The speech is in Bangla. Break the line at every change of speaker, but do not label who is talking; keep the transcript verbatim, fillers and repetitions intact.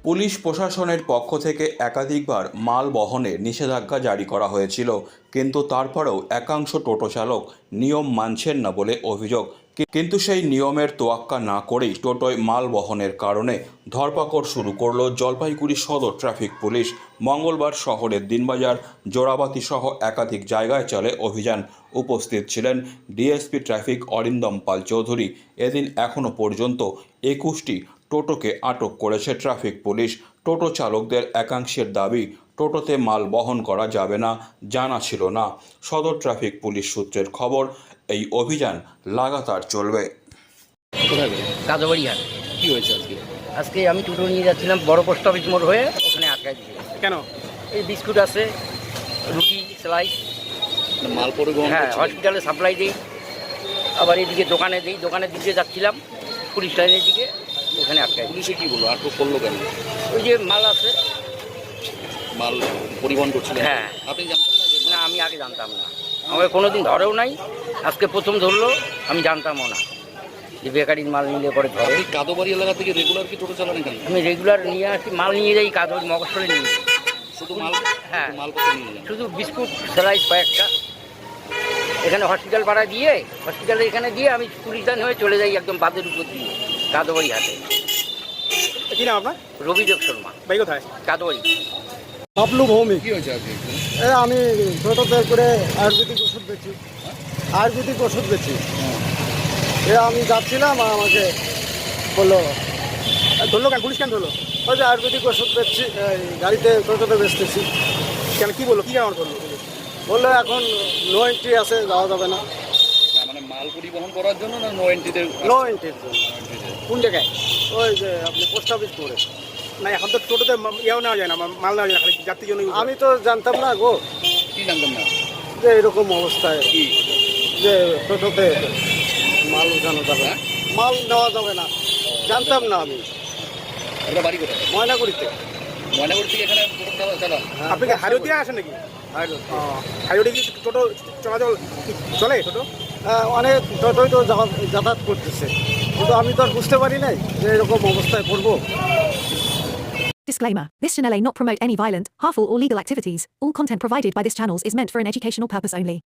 পুলিশ প্রশাসনের পক্ষ থেকে একাধিকবার মাল বহনে নিষেধাজ্ঞা জারি করা হয়েছিল, কিন্তু তারপরেও একাংশ টোটো চালক নিয়ম মানছেন না বলে অভিযোগ। কিন্তু সেই নিয়মের তোয়াক্কা না করেই টোটোয় মাল বহনের কারণে ধরপাকড় শুরু করল জলপাইগুড়ি সদর ট্রাফিক পুলিশ। মঙ্গলবার শহরের দিনবাজার, জোড়াবাতি সহ একাধিক জায়গায় চলে অভিযান। উপস্থিত ছিলেন ডিএসপি ট্রাফিক অরিন্দম পাল চৌধুরী। এদিন এখনও পর্যন্ত একুশটি টোটোকে আটক করেছে ট্রাফিক পুলিশ। টোটো চালকদের একাংশের দাবি, টোটোতে মাল বহন করা যাবে না, জানা ছিল না। সদর ট্রাফিক পুলিশ সূত্রের খবর, এই অভিযান লাগাতার চলবে।
কোথায় গেলেন?
কাদোবাড়ি হাট।
কি হয়েছে আজকে?
আজকে আমি টোটো নিয়ে যাচ্ছিলাম বড় পোস্ট অফিস মোড় হয়ে, ওখানে আটকায় দিয়েছে।
কেন?
এই বিস্কুট আছে, রুটি, সেলাই।
মাল পরিবহন
হ্যাঁ,
করছিলেন?
হসপিটালে সাপ্লাই দিই, আবার এদিকে দোকানে দিই। দোকানের দিকে যাচ্ছিলাম পুলিশ লাইনের দিকে, ওখানে আটকায় দিই।
পুলিশে কি বললো? আটক করলো কেন?
ওই যে মাল আছে।
মাল পরিবহন করছিলেন?
হ্যাঁ।
আপনি জানতেন না যে
না, আমি আগে জানতাম না, আমাকে কোনোদিন ধরেও নাই, আজকে প্রথম ধরলো। আমি জানতামও না যে বেকারির মাল নিলে পরে ধরে।
আপনি কাদোবাড়ি এলাকা থেকে রেগুলার কি টোটো চালান এখানে?
আমি রেগুলার নিয়ে আসি, মাল নিয়ে যাই কাদোবাড়ি মগজলে নিয়ে যাই।
শুধু মাল?
হ্যাঁ।
শুধু মাল করতে নিয়ে যান?
শুধু বিস্কুট, সেলাই কয়েকটা এখানে হসপিটাল ভাড়া দিয়ে, হসপিটালে এখানে দিয়ে আমি পুলিশ লাইন হয়ে চলে যাই একদম বাদের উপর দিয়ে কাদোবাড়ি হাটে।
কি নাম আপনার?
রবিদেব শর্মা,
বাড়ি কোথায়?
কাদোবাড়ি।
বাবলু ভৌমিক।
কি হয়েছে আজকে?
এ আমি টোটোতে করে আয়ুর্বেদিক ওষুধ বেচি, আয়ুর্বেদিক ওষুধ বেচি। এ আমি যাচ্ছিলাম, আর আমাকে বললো,
ধরলো কেন? পুলিশ কেন ধরলো?
ওই যে আয়ুর্বেদিক ওষুধ বেচছি, এই গাড়িতে টোটোতে বেচতেছি।
কেন, কি বললো? কি কারণ ধরলো?
বললো এখন নো এন্ট্রি আছে, যাওয়া যাবে না।
না, মানে মাল পরিবহন করার জন্য না নো এন্ট্রিতে?
নো এন্ট্রির জন্য।
কোন জায়গায়?
ওই যে আপনি পোস্ট অফিস করে।
না, এখন তো টোটোতে মা- ইয়েও নেওয়া যায় না, মা- মাল নেওয়া যায় না, খালি যাত্রীর জন্য।
আমি তো জানতাম না গো
কি জানতেন না?
যে এরকম অবস্থায়
কি?
যে টোটোতে মাল উঠানো যাবে না, মাল নেওয়া যাবে না, জানতাম না আমি।
আপনার বাড়ি কোথায়?
ময়নাগুড়িতে।
ময়নাগুড়ি থেকে এখানে টোটো চালা- চালান?
আপনি কি হাইরোড দিয়ে আসেন নাকি?
হ্যাঁ,
হাইরোডে কি টোটো চলাচল চলে টোটো?
হ্যাঁ, অনেক টোটোই তো যাওয়া- যাতায়াত করতেছে, কিন্তু আমি তো আর বুঝতে পারি নাই যে এরকম অবস্থায় পড়বো।
Disclaimer. This channel may not promote any violent, harmful or legal activities. All content provided by this channel is meant for an educational purpose only.